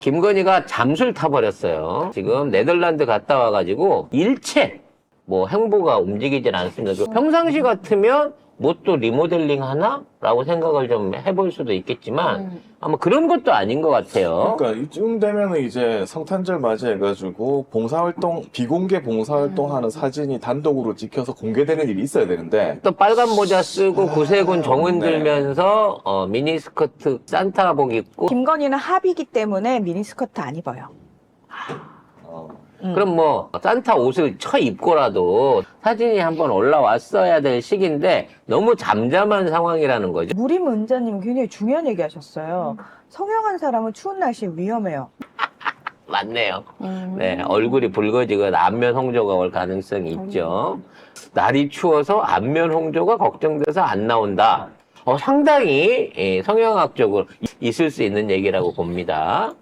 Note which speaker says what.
Speaker 1: 김건희가 잠수를 타버렸어요. 지금 네덜란드 갔다 와가지고 일체 뭐 행보가 움직이질 않습니다. 평상시 같으면 뭐 또 리모델링 하나? 라고 생각을 좀 해볼 수도 있겠지만 아마 그런 것도 아닌 것 같아요.
Speaker 2: 그러니까 이쯤 되면은 이제 성탄절 맞이해가지고 봉사활동, 비공개 봉사활동하는 사진이 단독으로 찍혀서 공개되는 일이 있어야 되는데
Speaker 1: 또 빨간 모자 쓰고 구세군 정은
Speaker 2: 네.
Speaker 1: 들면서 미니스커트 산타복 입고
Speaker 3: 김건희는 합이기 때문에 미니스커트 안 입어요.
Speaker 1: 그럼 뭐 산타 옷을 쳐 입고라도 사진이 한번 올라왔어야 될 시기인데 너무 잠잠한 상황이라는 거죠.
Speaker 3: 무림 은자님 굉장히 중요한 얘기 하셨어요. 성형한 사람은 추운 날씨에 위험해요.
Speaker 1: 맞네요. 네, 얼굴이 붉어지거나 안면 홍조가 올 가능성이 있죠. 날이 추워서 안면 홍조가 걱정돼서 안 나온다. 상당히 성형학적으로 있을 수 있는 얘기라고 봅니다.